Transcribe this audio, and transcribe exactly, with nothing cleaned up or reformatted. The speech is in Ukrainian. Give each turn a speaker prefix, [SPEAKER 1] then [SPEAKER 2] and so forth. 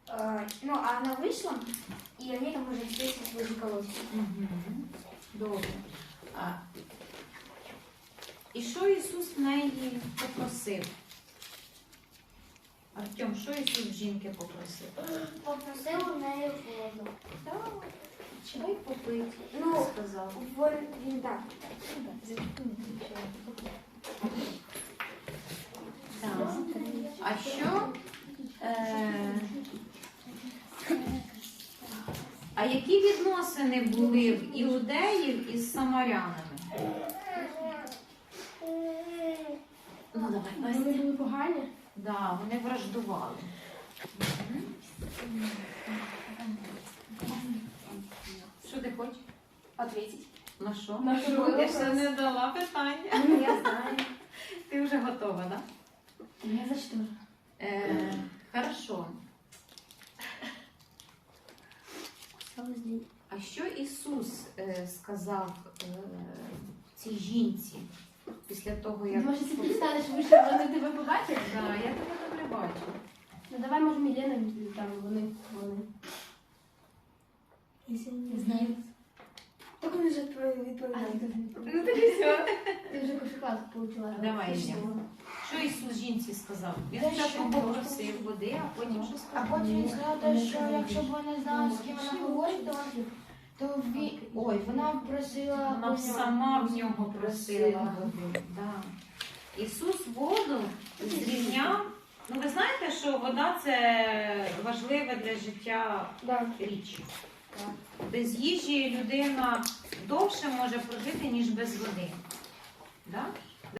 [SPEAKER 1] Э, ну, а она вышла, и они там уже встретились возле колодца.
[SPEAKER 2] Угу. Добре. А, і що Ісус в неї попросив? Артем, що Ісус в жінки попросив?
[SPEAKER 1] Попросил у неї воду.
[SPEAKER 2] Так, чай попити,
[SPEAKER 1] Ну,
[SPEAKER 2] сказав.
[SPEAKER 1] Вон, він так.
[SPEAKER 2] Так. А що? Е... А які відносини були в іудеїв із самарянами? Ну, давай,
[SPEAKER 3] Вони
[SPEAKER 2] Настя.
[SPEAKER 3] були погані.
[SPEAKER 2] Да, вони враждували. Що ти хочеш?
[SPEAKER 1] Ответить.
[SPEAKER 2] На що?
[SPEAKER 3] На що?
[SPEAKER 2] Я ще не дала питання.
[SPEAKER 1] Ну, я знаю.
[SPEAKER 2] Ти вже готова, так? Да?
[SPEAKER 3] Не за що.
[SPEAKER 2] Е, хорошо. А що Ісус е, сказав е, цій жінці після того, як...
[SPEAKER 3] Може, ти представиш, що вони тебе побачили?
[SPEAKER 2] Да, я тебе добре бачу.
[SPEAKER 3] Ну давай, може, Мілена, там вони, вони.
[SPEAKER 1] Не знаю. Так он уже
[SPEAKER 3] А,
[SPEAKER 1] відповідає.
[SPEAKER 3] ти теж
[SPEAKER 1] Ну,
[SPEAKER 3] не
[SPEAKER 1] так і все.
[SPEAKER 3] Ти вже кошикладку получила.
[SPEAKER 2] Давай,
[SPEAKER 3] Ти
[SPEAKER 2] Ілля.
[SPEAKER 3] що?
[SPEAKER 2] Що Ісус жінці сказав? Він
[SPEAKER 1] Та
[SPEAKER 2] спочатку
[SPEAKER 1] що?
[SPEAKER 2] попросив води, а потім що
[SPEAKER 1] А
[SPEAKER 2] сказав?
[SPEAKER 1] потім він сказав, те, що якщо б вона знала, з ким вона говорить, то, то він... Ой, вона просила...
[SPEAKER 2] Вона б сама в нього просила води. Да. Ісус воду зрівняв. Ну, ви знаєте, що вода – це важлива для життя
[SPEAKER 1] Да.
[SPEAKER 2] річ. Без їжі людина довше може прожити, ніж без води. Да?